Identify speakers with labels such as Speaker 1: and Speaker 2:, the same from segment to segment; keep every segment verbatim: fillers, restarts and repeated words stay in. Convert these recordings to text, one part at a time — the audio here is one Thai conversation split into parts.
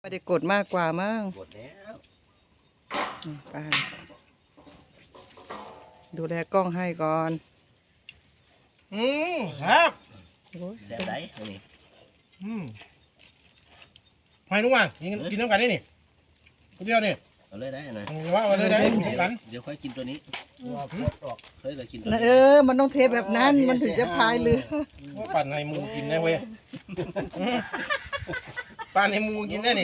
Speaker 1: ไม่ได้กดมากกว่ามั้ง
Speaker 2: กดแล้ว
Speaker 1: ไปดูแลกล้องให้ก่อน
Speaker 3: อืมครับ
Speaker 2: แซ่บได้อันนี้
Speaker 3: อืมให้ลุงว่างกินกินน้ำกันนี่นี่คนเดียวนี่
Speaker 2: เอาเลยได้นะ
Speaker 3: ว่าเอาเลยได้น้ำกัน
Speaker 2: เดี๋ยวค่อยกินตัวนี้
Speaker 3: ว่าพวดออก
Speaker 2: เฮ้ยเรากินตัว
Speaker 1: เออมันต้องเทแบบนั้นมันถึงจะพายเรือ
Speaker 3: ว่าปั่นให้มูกินได้เว้ยปั่นให้มูกินได้นี่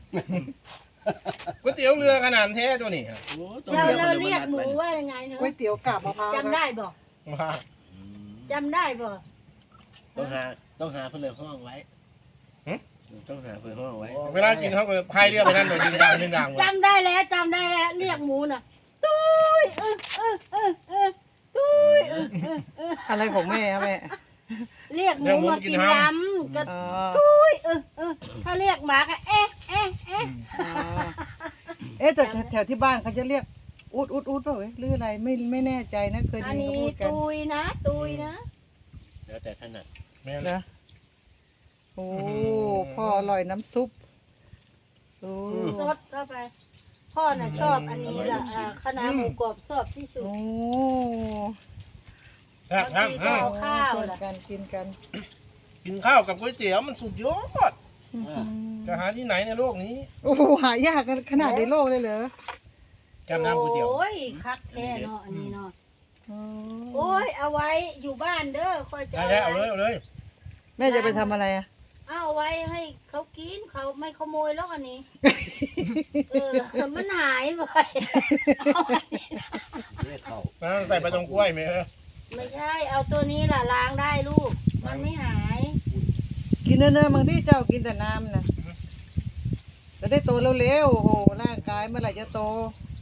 Speaker 3: ก๋วยเตี๋ยวเรือขนาดแท้ตัวนี้
Speaker 4: เราเราเรียกหมูว่ายังไงเนอะ
Speaker 1: ก๋วยเตี๋ยวกาบมะพร้าว
Speaker 4: จำได้บ่
Speaker 3: ว่า
Speaker 4: จำได้บ่
Speaker 2: ต้องหาต้องหาเพื่อนห้องไว้ต้องหาเพื่อนห้องไว้
Speaker 3: เวลากินเขาก็พายเรือไปนั่นโดยดึงดังดึงดัง
Speaker 4: จำได้แล้วจำได้แล้วเรียกหมูน่ะตุ้ยเออเออเออเออตุ้ยเออเออเออ
Speaker 1: อะไรของแม่แม่
Speaker 4: เรียกหมูมากินน้ำก็ตุ้ยเออเออถ้าเรียกหมาก็เอ๊ะเอ๊ะเอ๊ะ
Speaker 1: เอ๊ะแต่แถวที่บ้านเขาจะเรียกอุดอุดอุดเปล่าเว้ยหรืออะไรไม่ไม่แน่ใจนะเคยได้ยินเขาพูดกัน
Speaker 4: ตุยนะตุยนะ
Speaker 2: แล้วแต่ถนัด
Speaker 3: แม่
Speaker 1: นะโอ้พ่ออร่อยน้ำซุปโอ้
Speaker 4: สดเข้าไปพ่อน่ะชอบอันนี้ล่ะคณะหมูกรอบชอบที่สุด
Speaker 1: โอ้
Speaker 3: ครับครับ
Speaker 4: ข้าว
Speaker 1: กันกินกัน
Speaker 3: กินข้าวกับก๋วยเตี๋ยวมันสุดยอดจะหาที่ไหนในโลกนี้
Speaker 1: โอ้หายากขนาดในโลกเลยเหรอ
Speaker 3: แก้มน้ำก๋วยเตี๋ยว
Speaker 4: โอ้ยคักแท้เนาะอันนี้เนาะโอ้ยเอาไว้อยู่บ้านเด้อคอยจะ
Speaker 3: ได้เอาเลยเอาเลย
Speaker 1: แม่จะไปทำอะไรอ่ะ
Speaker 4: เอาไว้ให้เขากินเขาไม่ขโมยหรอกอันนี้เออมันหายไป
Speaker 3: ใส่ปลาตองกล้วยไหมเออ
Speaker 4: ไม่ใช่เอาตัวนี้ล่ะล้างได้ลูกมันไม่หาย
Speaker 1: กินเนื้อบางที่เจ้ากินแต่น้ำนะจะได้โตเร็วๆโอ้โหร่างกายเมื่อไหร่จะโต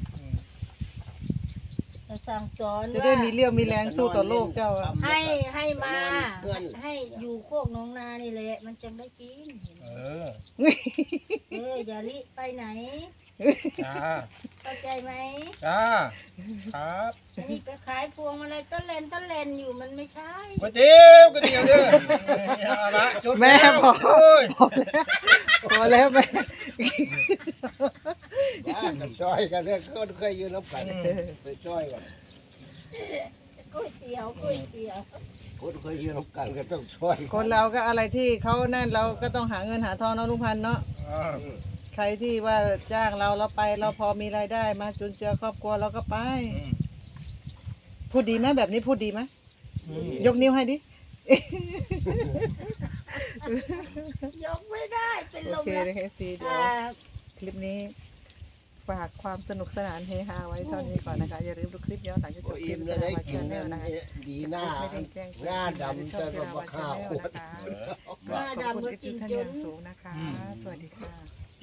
Speaker 4: สั่งสอน
Speaker 1: จะได้มีเลี้ยวมีแรงสู้ต่อโลกเจ้า
Speaker 4: ให้ให้มาให้อยู่โคกน้องนานี่แหละมันจะไม่กิน
Speaker 3: เออ
Speaker 4: เอออย่าลิไปไหน
Speaker 3: จ้า
Speaker 4: เข้าใจไหม
Speaker 3: จ้าครับ
Speaker 4: อันนี้ไปขายพวงอะไรต้นเลนต้นเลนอยู่มันไม่ใช่
Speaker 3: ก๋วยเตี๋ยวก๋วยเตี๋ยวเด้อ
Speaker 1: แม่พอพอแล้วแม่
Speaker 2: บ้านกับช่อยกันเรื่องก็เคยยืนรับกันไปช่อยกัน
Speaker 4: ก๋วยเตี๋ยวก๋วยเตี๋ยว
Speaker 2: คนเคยยืนรับกันก็ต้องช่วย
Speaker 1: คนเราก็อะไรที่เขานั่นเราก็ต้องหาเงินหาทองเนาะลุงพันธุ์เนาะใครที่ว่าจ้างเราเราไปเราพอมีรายได้มาจุนเจือครอบครัวเราก็ไปพูดดีไหมแบบนี้พูดดีไหมยกนิ้วให้ดิ
Speaker 4: ยกไม่ได้เป็นลม
Speaker 1: โอเคเลยซีเดี๋ยวคลิปนี้ฝากความสนุกสนานเฮฮาไว้เท่านี้ก่อนนะคะอย่าลืมดูคลิปย้อนหลังจากจบคลิปนะคะมาเชียร์แนลนะคะ
Speaker 2: ดีหน้าหน้าดำจะมาข้าว
Speaker 4: นะคะหน้าดำก็กินจน
Speaker 1: สูงนะคะสวัสดีค่ะ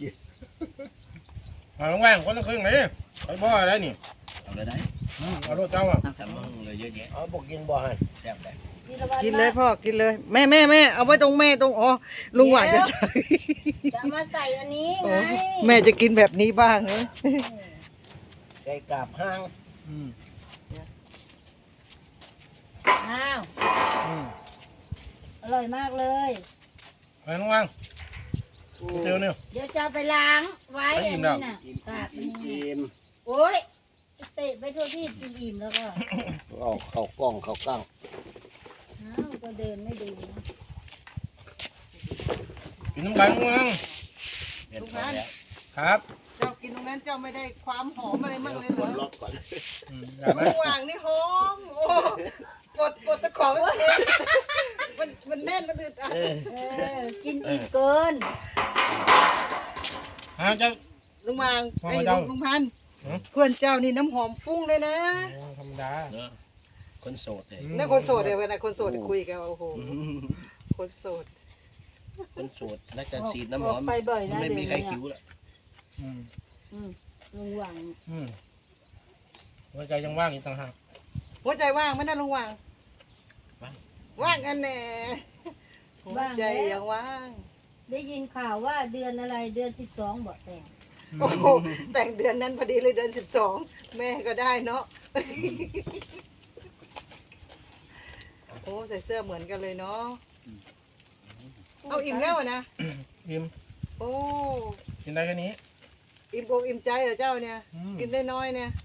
Speaker 3: มาลงแหวงคนละครึ่งเลยไปบ่ออะไรนี่
Speaker 2: เอาเลยได้
Speaker 3: เอารถเจ้าอ่ะ
Speaker 2: ทำมึงเลยเยอะแยะเอาบอกกินบ่อให้แซ่บเลย
Speaker 1: กินเลยพ่อกินเลยแม่แม่แม่เอาไว้ตรงแม่ตรงอ๋อลุงหวานจะใส่
Speaker 4: จะมาใส่อันนี้ไง
Speaker 1: แม่จะกินแบบนี้บ้างเลย
Speaker 2: ไก่กาบห้าง
Speaker 4: อ้าวอร่อยมากเลย
Speaker 3: ไปน้องวังเตียวเนี่ย
Speaker 4: เดี๋ยวจะไปล้างไว้อันนี้น่ะกาบนี่โอ้ยเตะไปทั่วที่กินอิ่มแล้วก็
Speaker 2: เอาเข้ากล้องเข้าก้าง
Speaker 4: อ้าวก็เดินไม่ดู
Speaker 3: กินน้ำกันน้องวัง
Speaker 1: ทุกท่าน
Speaker 3: ครับ
Speaker 1: เจ้ากินตรงนั้นเจ้าไม่ได้ความหอมอะไรมั่งเลยเหรอ
Speaker 2: ล็อกก่อน
Speaker 1: ระหว่างนี่หอมโอ้กดกดตะขอมันเองมันมันแน่นมันอึดอัด
Speaker 4: กินอิ่มเกิน
Speaker 3: ฮะเจ้า
Speaker 1: ลุงวางไอ้ลุงลุงพันเพื่อนเจ้านี่น้ำหอมฟุ้งเลยนะ
Speaker 3: ธรรมดา
Speaker 2: คนโสดเลย
Speaker 1: นี่คนโสดเลยเวลาคนโสดคุยกันโอ้โหคนโสด
Speaker 2: คนโสดแล้วจะฉีดน้ำหอมไม่มีใครคิ้วละ
Speaker 4: อืมอืมลุงวาง
Speaker 3: อืมหัวใจยังว่างอีกต่างหาก
Speaker 1: หัวใจว่างไม่ได้ลุงวางว่างกันแน่หัวใจยังว่าง
Speaker 4: ได้ยินข่าวว่าเดือนอะไรเดือนสิบสองบอกแต่ง
Speaker 1: โอ้โหแต่งเดือนนั้นพอดีเลยเดือนสิบสองแม่ก็ได้เนาะโอ้ใส่เสื้อเหมือนกันเลยเนาะเอาอิ่มแล้วนะ
Speaker 3: อิ่ม
Speaker 1: โอ้
Speaker 3: ได้แค่นี้
Speaker 1: อิ่มอกอิ่มใจเหรอเจ้าเนี่ย
Speaker 3: อืม
Speaker 1: กินได้น้อยเนี่ย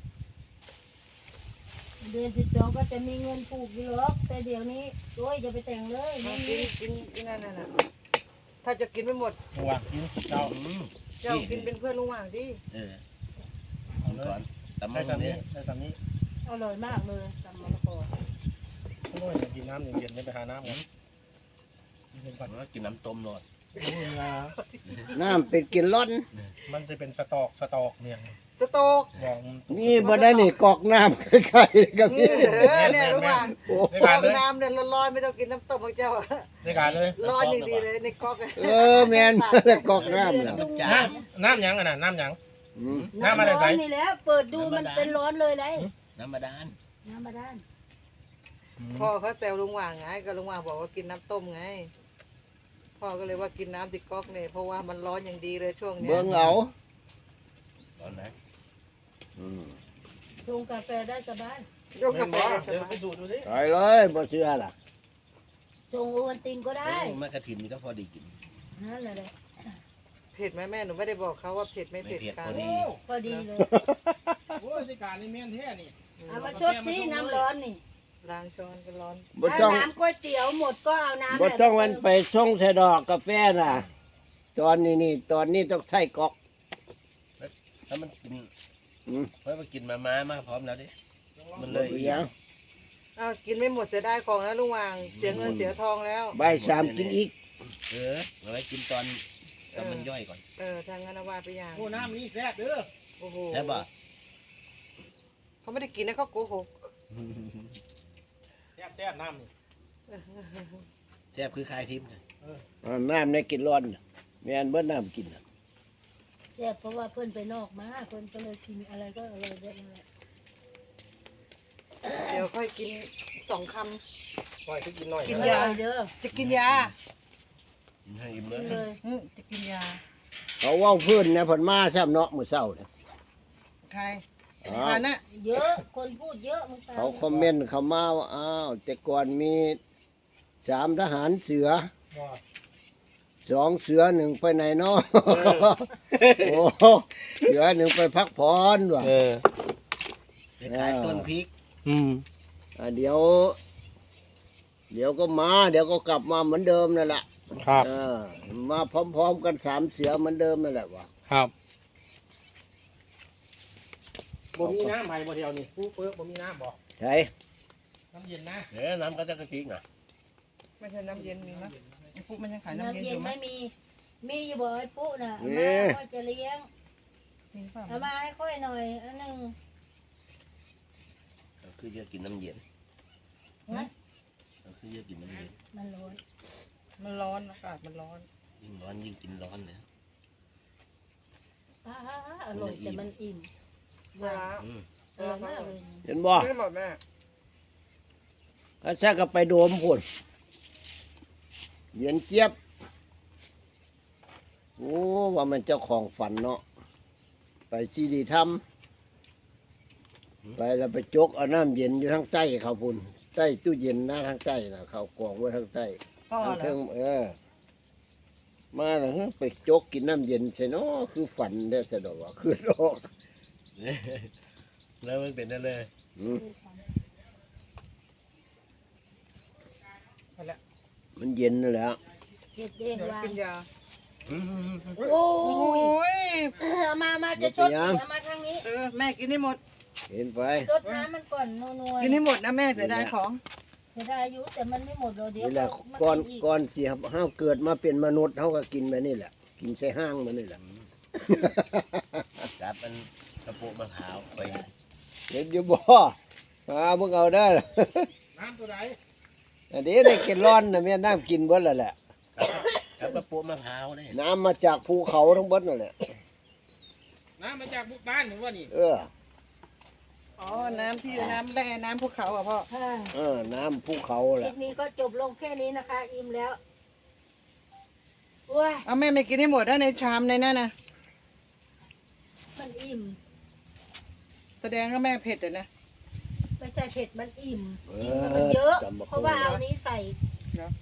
Speaker 4: เดือนสิบสองก็จะมีเงินปลูกอยู่หรอกแต่เดี๋ยวนี้โอ้ยจะไปแต่งเลย
Speaker 1: มา
Speaker 4: ไม่
Speaker 1: กิ
Speaker 4: มี
Speaker 1: นกินกินนั่นน่ะถ้าจะกินไม่หมด
Speaker 3: ลุงว่างกินเจ้า
Speaker 2: อืม
Speaker 1: เจ้ากินเป็นเพื่อนลุงหว่างสิ
Speaker 2: เออ
Speaker 3: เอา
Speaker 2: เอา
Speaker 3: เล
Speaker 2: ก่อย นตำ
Speaker 3: ได้
Speaker 2: มัน
Speaker 3: สามนี้
Speaker 2: เนี่ย
Speaker 3: ได้สามนี้
Speaker 4: อร่อยมากเลยตำมะละกอ
Speaker 3: โอ้ยอยากกินน้ำเย็นๆไม่ไปหาน้ำกันเย็นก่อน
Speaker 2: แล้วกินน้ำต้มรอด
Speaker 3: โอ้ยนะ
Speaker 5: น้ำเป็นกินร้อน
Speaker 3: มันจะเป็นสตอกสตอกเนี่ย
Speaker 1: สโตก
Speaker 3: บอก
Speaker 5: นี่บ่ได้นี่กอกน้ำใกล้ๆกับ
Speaker 1: นี่
Speaker 5: นี่
Speaker 1: เออเนี่ยลุงหว่าง
Speaker 5: โอ้
Speaker 3: ได้
Speaker 1: ฟ
Speaker 3: กา
Speaker 1: อ
Speaker 3: รง เลย
Speaker 1: น้ำเนี่ยร้อนๆไม่ต้องกินน้ำต้มของเจ้า
Speaker 3: ได้การเลย
Speaker 1: ร้อนอย่างดีเลยในก๊อกอะ
Speaker 5: เออแม่นแล้วกอกน้ำน่ะ
Speaker 3: น้ำน้ำหยังอ่ะนะน้ำหยัง
Speaker 5: อืม
Speaker 3: น้ำอะไรใส่
Speaker 4: ร้อนนี่แหล้วเปิดดูมันเป็นร้อนเลยเลย
Speaker 2: น้ำบาดาล
Speaker 4: น้ำบาดาล
Speaker 1: พ่อเขาแซวลุงหว่างไงก็ลุงหว่างบอกว่ากินน้ำต้มไงพ่อก็เลยว่ากินน้ำติดก๊อกเนี่ยเพราะว่ามันร้อนอย่างดีเลยช่วงเนี้ย
Speaker 5: เบิ่งเอา
Speaker 2: ตอนไหน
Speaker 5: อืม
Speaker 4: ชงกาแฟได้สบาย
Speaker 1: ยกกาแฟได้ส
Speaker 3: เดี๋ยว
Speaker 1: บา
Speaker 3: ไป
Speaker 1: ย
Speaker 3: สูดดูสิ
Speaker 5: ไปเลยบ่เชื่อล่ะ
Speaker 4: ชงโอวัลตินก็ได้
Speaker 2: โอ้แม่กระถินนี่ก็พอดีกิน
Speaker 4: นั่นแหละเลย
Speaker 1: เผ็ดไหมแม่หนูไม่ได้บอกเขาว่าเผ็ดไม่
Speaker 2: ไม่
Speaker 1: เผ็ด
Speaker 2: เผ็ด
Speaker 1: กั
Speaker 2: พ
Speaker 1: น
Speaker 2: อดี
Speaker 4: พอดีเลย
Speaker 3: โอ้ยได้การนี่แม่นแท้นี่
Speaker 4: เอามาชดที่น้ำร้อนนี่
Speaker 1: ล้างช้อนก็ร้อน
Speaker 5: บ่
Speaker 4: ถ้า
Speaker 5: ต้อง
Speaker 4: น้ำก๋วยเตี๋ยวหมดก็เอาน้ำ
Speaker 5: บ่ต้องมันไปส่งใส่ดอกกาแฟน่ะ ตอนนี้นี่ตอนนี้ต้องใส่กอก
Speaker 2: ถ้ามันกิน
Speaker 5: อืม
Speaker 2: เพราะมันกินมาม้ามาพร้อมแล้วดิมันเล
Speaker 5: บ่
Speaker 2: ย
Speaker 5: เป็นหยัง
Speaker 1: อ้าวกินไม่หมดเสียดายของแล้วลุงหว่างเสียเงินเสียทองแล้ว
Speaker 5: บ่ายสามกินอีก
Speaker 2: เออเอาไว้กินตอนตอนมันย่อยก่อน
Speaker 1: เออทางงานเอาวาไปอย่าง
Speaker 3: โอ้น้ำนี่แซ่บเด้อ
Speaker 1: โอ้โห
Speaker 2: ใช่ป่ะ
Speaker 1: เขาไม่ได้กินนะเขาโกหก
Speaker 3: แซ่บแซ่บน้ำนี่
Speaker 2: แซ่บคือคลายทิพย์
Speaker 5: อ่าน้ำในกินร้อนน่ะแม่นเบิดน้ำกินน่ะ
Speaker 4: แซ่บเพราะว่าเพื่อนไปนอกมาเพื่อนก็เลยกินอะไรก็อร่อยเยอะเลย
Speaker 1: เดี๋ยวค่อยกินสองค
Speaker 3: ปล่อยให้กินหน่อย
Speaker 1: กิน
Speaker 4: อย
Speaker 1: า
Speaker 4: ร่อยเด้อ
Speaker 1: ำจะกินยา
Speaker 2: กินให้อิ่ม
Speaker 4: กิน
Speaker 2: เล
Speaker 4: เลย ย
Speaker 1: อืมจะกินยา
Speaker 5: เขาเว้าเพิ่นนะเพิ่นมาซ้ำเนาะมื้อเช้าเนี่ย
Speaker 1: ใคร
Speaker 5: อ้า
Speaker 1: ทาว นนะ
Speaker 4: เยอะคนพูดเยอะเมื่อเช้า
Speaker 5: เขาคอมเมนต์เข้ามาว่าอ้าวแต่ก่อนมีสามทหารเสือ
Speaker 3: บ่
Speaker 5: สองเสือหนึ่งไปไหนเนาะโอ้เสือหนึ่งไปพักผ่อนว่ะ
Speaker 3: เออ
Speaker 2: ไปขายต้นพริก
Speaker 3: อืม
Speaker 5: อ่ะเดี๋ยว เดี๋ยวก็มา เดี๋ยวก็กลับมาเหมือนเดิมนั่นแหละ
Speaker 3: ครับ
Speaker 5: เออมาพร้อมๆกันสามเสือเหมือนเดิมนั่นแหละว่ะ
Speaker 3: ครับบ่มีน้ำให้บ่เดียวนี่ผู้เปิ้ลบ่มีน้ำบ่
Speaker 5: ใช่
Speaker 3: น้ำเย็นนะ
Speaker 2: เดี๋ยวน้ำก็จะกระทิงอ่ะ
Speaker 1: ไม่ใช่น้ำเย็นมีมั้ยไอ้ปุ๊มันยังขายน้ำ
Speaker 4: น้ำ
Speaker 1: เย็นอ
Speaker 4: เย็น
Speaker 1: ยู่มั้
Speaker 4: ไม่
Speaker 1: ย
Speaker 4: มี มีอยู่บ่ไอ้ปุ๊น่ะเอามาค่อยจะเลี้ยง
Speaker 1: มีเปล่า
Speaker 4: เอามาให้ค่อยหน่อยอันหนึ่ง
Speaker 2: ก็คือเยอะกินน้ำเย็น
Speaker 4: นะ
Speaker 2: ก็คือเยอะกินน้ำเย็น
Speaker 4: มันร้อน
Speaker 1: มันร้อนอากาศมันร้อน
Speaker 2: ยิ่งร้อนยิ่งกินร้อนเลย
Speaker 4: อ่าอร่อยแต่มันอิ่ม
Speaker 1: เวลา
Speaker 2: อืม
Speaker 4: อร่อยมากเลย
Speaker 5: เห็นบ่
Speaker 1: ไม่หมดแม่
Speaker 5: ถ้าแท้ก็ไปโดมพุ่นเย็นเจี๊ยบโอ้ว่ามันเจ้าของฝันเนาะไปซีดีทำไปแล้วไปจกเอาน้ำเย็นอยู่ทางใต้เขาพุ่นใต้ตู้เย็นนะทางใต้นะเขากองไว้ทางใต้
Speaker 1: พ่อ
Speaker 5: ทาง
Speaker 1: เหร
Speaker 5: เทิ
Speaker 1: อง
Speaker 5: เออ มาแล้วฮะไปจกกินน้ำเย็นใช่เนาะคือฝันได้สะดอกว่าคือดอก
Speaker 2: แล้วมันเป็นได้เลย
Speaker 5: อืม
Speaker 1: ไปละ
Speaker 5: มันเย็นนั่นแหละ
Speaker 4: เด็ดเอง
Speaker 1: เดี๋ยว
Speaker 4: วาง
Speaker 1: กินยา
Speaker 2: อืม
Speaker 4: โอ้
Speaker 1: โอ้
Speaker 4: ย
Speaker 1: ย
Speaker 4: เอามามาจะชดเอามาทางนี้
Speaker 1: เออแม่กินให้หมด
Speaker 5: เห็นไป
Speaker 4: ชดน้ำมันก่อนนัวๆ
Speaker 1: กินให้หมดนะแม่เสียดายของ
Speaker 4: เสียดายอายุแต่มันไม่หมดเดี๋ยว
Speaker 5: นี่แหละ
Speaker 4: มั
Speaker 5: ก่อน
Speaker 4: อีก
Speaker 5: ก่อนเสียห้าวเกิดมาเป็นมนุษย์เขาก็กินแบบนี้แหละ กินใส่ห้างมันนี่แหละ
Speaker 2: จับมันกระปุกมะพร้าวไป
Speaker 5: เดี๋ยวจะบ่อามึงเอาได้อ
Speaker 3: น้ำตัวไหน
Speaker 5: อันนี้ได้กินร้อนนะแม่น้ำกินเบิดแล้วแหละ
Speaker 2: จับกระปุกมะพร้าวได้
Speaker 5: น้ำมาจากภูเขาทั้งเบิดนั่นแหละ
Speaker 3: น้ำมาจากบุกบ้านหรือว่านี่
Speaker 5: เออ
Speaker 1: อ๋อน้ำที่น้ำแร่น้ำภูเขาอ่ะพ่อ
Speaker 4: ค่ะ
Speaker 5: เออ น้ำภูเขา
Speaker 4: ค
Speaker 5: แห
Speaker 4: ลิ
Speaker 5: ละ
Speaker 4: ปนี้ก็จบลงแค่นี้นะคะ อิ่มแล้วว้าย
Speaker 1: เอาแม่ไม่กินให้หมดนะในชามในนั่นนะ
Speaker 4: มันอิ่ม
Speaker 1: แสดงว่าแม่เผ็ดเลยนะ
Speaker 4: ไม่ใช่เผ็ดมันอิ่ม
Speaker 5: เอ
Speaker 4: อิ่ม
Speaker 5: อ
Speaker 4: มันเยอะ
Speaker 5: จำบ่
Speaker 4: เพราะว่าเอานี้ใส่
Speaker 1: เนาะ
Speaker 4: อ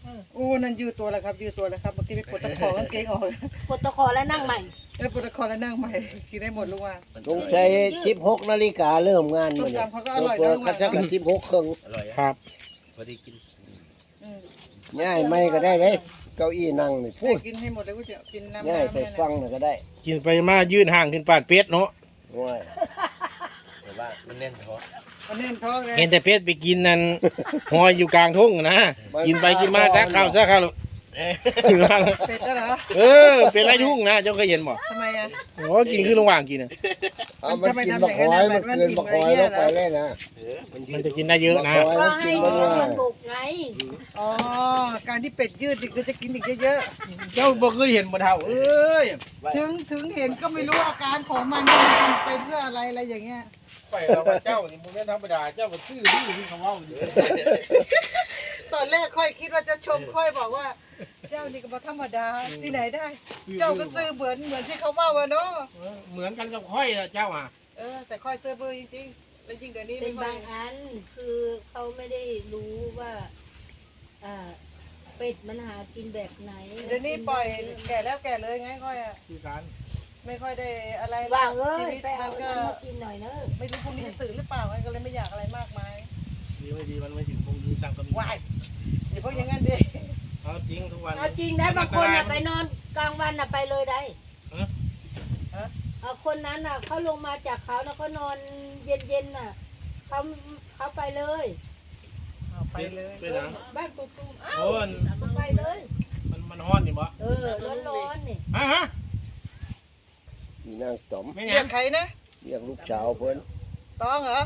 Speaker 1: โอ้นั่นยืดตัวแล้วครับยืดตัวแล้วครับเมื่อกี้ไปปวดตะขอกางเกงออก
Speaker 4: กดตะขอแล้วนั่งใหม่
Speaker 1: แล้วปวดตะขอแล้วนั่งใหม่กินได้หมดลูกว่า
Speaker 5: สงสัยสิบหกนาฬิกาเริ่มงาน
Speaker 1: ส้
Speaker 5: มื้
Speaker 1: ม
Speaker 5: อนี้
Speaker 1: ตำเขาก็อร่อย
Speaker 5: ตัว
Speaker 1: นะลุง
Speaker 5: เขา
Speaker 1: ว่า
Speaker 5: จะสิบหกครึ่ง
Speaker 2: อร่อย
Speaker 3: ครับ
Speaker 2: พอดีกิน
Speaker 1: อืม
Speaker 5: ง่ายไม่ก็ได้เลยเก้าอี้นั่งนี่พู
Speaker 1: ให้
Speaker 5: ด
Speaker 1: กินให้หมดเลยก๋วยเตี๋ยวกินน้ำ
Speaker 5: ง่าย
Speaker 1: น้ำ
Speaker 5: ไป
Speaker 1: เนี่ย
Speaker 5: ฟั
Speaker 1: นะ
Speaker 5: งหน่อยก็ได้
Speaker 3: กินไปมายืนห่างขึ้นปานเป็ดเนาะ
Speaker 5: ว้าย
Speaker 2: แต่ว่ามันแน่นท้อง
Speaker 1: มันแน่นท้องเลย
Speaker 3: เห็นแต่เป็ดไปกินนั่นหอยอยู่กลางทุ่งนะกินไปกินมาซักข้าวซักข้าว
Speaker 1: เป็ดก็เหรอ
Speaker 3: เออเป็นไรทุ่งนะเจ้าเคยเห็นบ่
Speaker 1: ทำไมอ่ะ
Speaker 3: โอ้กินคือระหว่างกินน่ะ
Speaker 5: เอามัน
Speaker 1: ทำไม
Speaker 5: กิน
Speaker 1: ทำ
Speaker 5: บัก
Speaker 1: อย่าง
Speaker 5: ห
Speaker 1: นั้
Speaker 5: อย
Speaker 1: น
Speaker 5: มัน
Speaker 1: แบบ
Speaker 5: เกินบักหอยลงไปเลยนะ
Speaker 2: เออมันยื
Speaker 3: มัน
Speaker 2: ด
Speaker 3: จะกินได้เยอะนะ
Speaker 5: บักห
Speaker 4: ก็
Speaker 5: อยมัน
Speaker 4: ให้
Speaker 5: กิน
Speaker 4: มั
Speaker 5: บ่
Speaker 4: น
Speaker 5: ได้
Speaker 4: บุกไง
Speaker 1: อ๋อการที่เป็ดยืดนี่ก็จะกินอีกเยอะ
Speaker 3: เจ้าบ่เคยเห็นบ่เท่าเอ้ย
Speaker 1: ๆถึงถึงเห็นก็ไม่รู้อาการของมันไปเพื่ออะไรอะไรอย่างเงี้ย
Speaker 3: ไปเราว่าเจ้านี่บ่แม่นธรรมดาเจ้าก็ซื่อที่ที่เขาเว้าอยู่
Speaker 1: ตอนแรกค่อยคิดว่าจะชมค่อยบอกว่า เจ้านี่ก็บ่ธรรมดาที่ไหนได้ เจ้าก็ซื้อเหมือนเหมือนที่เขาว่าว่าเนาะ
Speaker 3: เออเหมือนกันกับค่อยนะเจ้าอ่ะ
Speaker 1: เออแต่ค่อยซื้อเบอร์จริงๆแล้วยิ่งเดี๋ยวนี้
Speaker 4: เป็
Speaker 1: ไม่
Speaker 4: น
Speaker 1: ค่อบ
Speaker 4: าย งอันคือเขาไม่ได้รู้ว่าอ่าเป็ดมันหากินแบบไหน
Speaker 1: เดี๋ยวนี้ปล่อยแก่แล้วแก่เลยไงค่อยอะ
Speaker 3: คือการ
Speaker 1: ไม่ค่อยได้อะไร
Speaker 4: ว่างเอ้
Speaker 1: ชี
Speaker 4: ย
Speaker 1: วิต
Speaker 4: ไปเอา
Speaker 1: มันก็
Speaker 4: น้ำมากินหน่อยเนอะ
Speaker 1: ไม่รู้พรุ่งนี้จะตื่นหรือเปล่าไงก็เลยไม่อยากอะไรมากมาย
Speaker 3: ดีไม่ดีมันไม่ถึงพรุ่งนี้สั่งก็มี
Speaker 1: วายอย่าพวกอย่างนั้นดิ
Speaker 3: เอาจริงทุกวัน
Speaker 4: เอาจริงนะบางคนน่ะไปนอนกลางวันน่ะไปเลยได้
Speaker 3: ฮะ
Speaker 4: เอาคนนั้นน่ะเขาลงมาจากเขาแล้วเขานอนเย็นๆน่ะเขาเขาไปเลย
Speaker 1: เอาไปเลย
Speaker 3: เป็นหยัง
Speaker 4: บ้านปุ๊บๆอ้าว
Speaker 3: โอ้ย
Speaker 4: เขาไปเลย
Speaker 3: มันมันฮ้อนนี่บ่
Speaker 4: เออร้อนๆนี่
Speaker 3: ฮะฮะ
Speaker 5: มีนางต๋อม
Speaker 3: ไม่ห
Speaker 1: เรี
Speaker 3: ยั
Speaker 1: ย
Speaker 3: ง
Speaker 1: กใครนะ
Speaker 5: เรียกลูกสาวเพิ่น
Speaker 1: ต้องเหรอ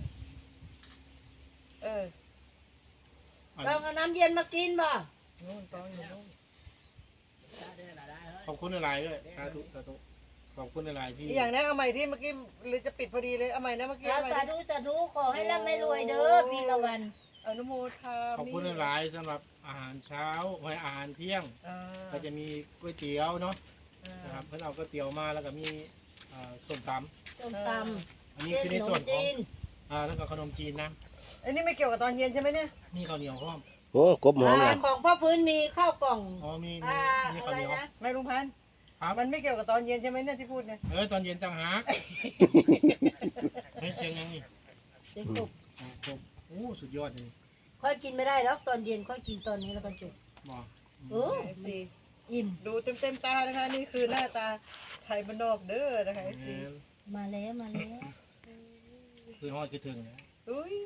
Speaker 1: เออ
Speaker 4: เราเอาน้ำเย็นมากินบ่
Speaker 1: นู่นต้องอยู่นู่น
Speaker 3: ขอบคุณหลายๆด้วยสาธุสาธุขอบคุณหลายๆที่
Speaker 1: อีกอย่างนะเอาใหม่ที่เมื่อกี้หรือจะปิดพอดีเลยเอาใหม่นะเมื่อกี้
Speaker 4: สา
Speaker 1: เอาใหม่
Speaker 4: ธุ
Speaker 1: ดิ
Speaker 4: สาธุขอให้ร่ำให้รวยเด้อพี่ละวัน
Speaker 1: อนุโมทา
Speaker 3: ขอบคุณหลายๆสำหรับอาหารเช้าไว้อาหารเที่ยง
Speaker 1: อ่า
Speaker 3: ก็จะมีก๋วยเตี๋ยวเนาะ
Speaker 1: อ่า
Speaker 3: นะครับเพิ่นเอาก๋วยเตี๋ยวมาแล้วก็มีอ่าส้มต
Speaker 4: ส้มต
Speaker 3: ำอัน
Speaker 4: ำ
Speaker 3: นี้
Speaker 4: เส้น
Speaker 3: คือใน
Speaker 4: ขน
Speaker 3: ส่ว
Speaker 4: ม
Speaker 3: นของ
Speaker 4: จีน
Speaker 3: อ่าแล้วก็ขนมจีนนะ
Speaker 1: อันนี้ไม่เกี่ยวกับตอนเย็นใช่ไหมเนี่ย
Speaker 3: นี่ข้าวเหนียวพร้อม
Speaker 2: โอ้กบหอม
Speaker 4: อ่า
Speaker 2: อ่ะ
Speaker 4: ของพ่อพื้นมีข้าวกล่อง
Speaker 3: อ๋อมีมี
Speaker 4: อ่า
Speaker 3: มี
Speaker 4: อะ
Speaker 3: ข้าว
Speaker 4: ไร
Speaker 3: เหนียว
Speaker 4: นะ
Speaker 1: ไม่ลุงพันธุ์
Speaker 3: ครับ
Speaker 1: มันไม่เกี่ยวกับตอนเย็นใช่ไหมเนี่ยที่พูดเนี่ย
Speaker 3: เออตอนเย็นต่างหากเฮ้ยเสียงยังนี่
Speaker 4: เด็กกบ
Speaker 3: โอ้โหโอ้สุดยอดเลย
Speaker 4: ค่อยกินไม่ได้หรอกตอนเย็นค่อยกินตอนนี้แล้วกันจุก
Speaker 3: บอก
Speaker 4: เออ
Speaker 1: เอฟซี
Speaker 4: อิ่ม
Speaker 1: ดูเต็มเต็มๆตานะคะนี่คือหน้าตาไทยบ้านนอกเด้อนะคะเอฟซี
Speaker 4: มาแล้วมาแล้ว
Speaker 3: คือฮอดคือถึงนะ
Speaker 1: อุ้ย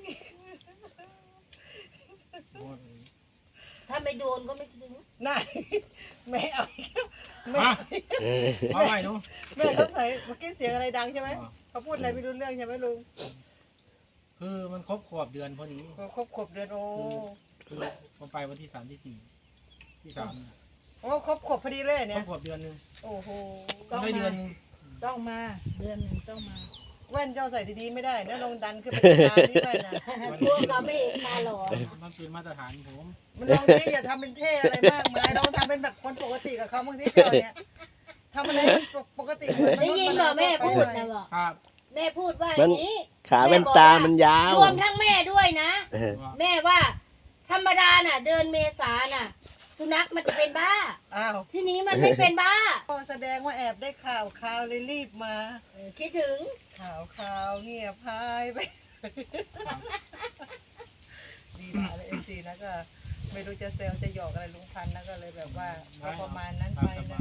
Speaker 3: ฮอดเลย
Speaker 4: ถ้าไม่โดนก็ไม่ถึง
Speaker 1: น่าแม่เอาอีกแล้วแม่
Speaker 3: มา
Speaker 2: เออ
Speaker 3: เอาไว้หนู
Speaker 1: แม่ต้องใส่เมื่อกี้เสียงอะไรดังใช่ไหม
Speaker 3: อ๋อ
Speaker 1: เขาพูดอะไรไม่รู้เรื่องใช่ไหมลุง
Speaker 3: คือมันครบขวบเดือนพอดี
Speaker 1: เขาครบขวบเดือนโอ้
Speaker 3: คือผมไปวันที่สามที่สี่ที่สามน่ะ
Speaker 1: โอ้ครบขวบพอดีเลย
Speaker 3: คร
Speaker 1: เนี่
Speaker 3: บ
Speaker 1: ย
Speaker 3: ขวบเดือนหนึง
Speaker 1: โอ้โห
Speaker 3: มันได้เดือนหนึง
Speaker 4: ต้องมาเดือนหนึ่งต้องมา
Speaker 1: แว่นเจ้าใส่ดีๆไม่ได้นะลงดันขึ้นไปตานี่แว่นนะ
Speaker 4: พวกเราไม่เห็นตาหลอ
Speaker 3: มันเป็นมาตรฐานผม
Speaker 1: มันลองที่อย่าทำเป็นเท่อะไรมากมายลองทำเป็นแบบคนปกติกับเขาบางทีเจ้าเนี่ยทำอะไรปกติเหมือน
Speaker 4: ได้ยินบ่แม่พูดนะ
Speaker 1: บ
Speaker 4: บอก
Speaker 3: ครับ
Speaker 4: แม่พูดว่าอย่างนี้
Speaker 2: ขาแว่นตามันยาว
Speaker 4: รวมทั้งแม่ด้วยนะ
Speaker 2: เออ
Speaker 4: แม่ว่า ธรรมดาน่ะ เดือนเมษาน่ะ สุนัขมันจะเป็นบ้า
Speaker 1: อ้าว
Speaker 4: ที่นี้มันไม่เป็นบ้า
Speaker 1: ก็แสดงว่าแอบได้ข่าวข่าวเลยรีบมา
Speaker 4: เออคิดถึง
Speaker 1: ข่าวข่าวเงียบหายไป ดีมากเลยเอซีนะก็ ไม่รู้จะเซลจะหยอกอะไรลุงพันธุ์นะก็เลยแบบว่าก็ประมาณนั้นไปนะ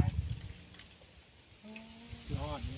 Speaker 3: ยอดนี่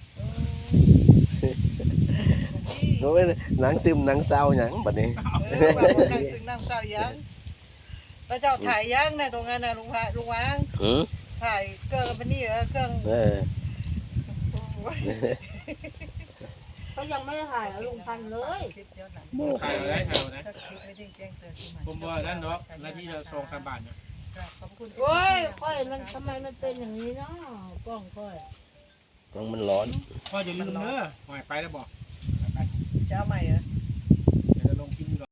Speaker 2: โอ้ยหนังซึมหนังเศร้าหยังบัดนี้
Speaker 1: เออแบบคนนั่งซึ่งนั่งเศร้ายังแล้วเจ้าถ่ายยังนะตรงนั้นนะลุงพะลุงวาง
Speaker 2: อือ
Speaker 1: ถ่ายเครื่องมันนี่เหรอเครื่อง
Speaker 2: เออ
Speaker 1: โอ้ย
Speaker 4: เขายังไม่ได้ถ่ายเอาลุงพันธุ์เลย
Speaker 1: คลิปเยอะหนัง
Speaker 3: ถ่ายเอาได้ถ่ายเอาได้
Speaker 1: ถ้าคลิปไม่ได้แจ้งเตือนขึ้นมา
Speaker 3: ผมว่าด้านดอกหน้าที่เราสองสามบาทเนี่ย
Speaker 1: ขอบคุณ
Speaker 4: โอ้ยค่อยมันทำไมมันเป็นอย่างนี้เนาะกล้องค่อย
Speaker 2: ต้องมันร้อน
Speaker 3: พ่ออย่าลืมเด้อหอยไปแล้วบอก
Speaker 1: จะเอาใหม่เหรอ
Speaker 3: เ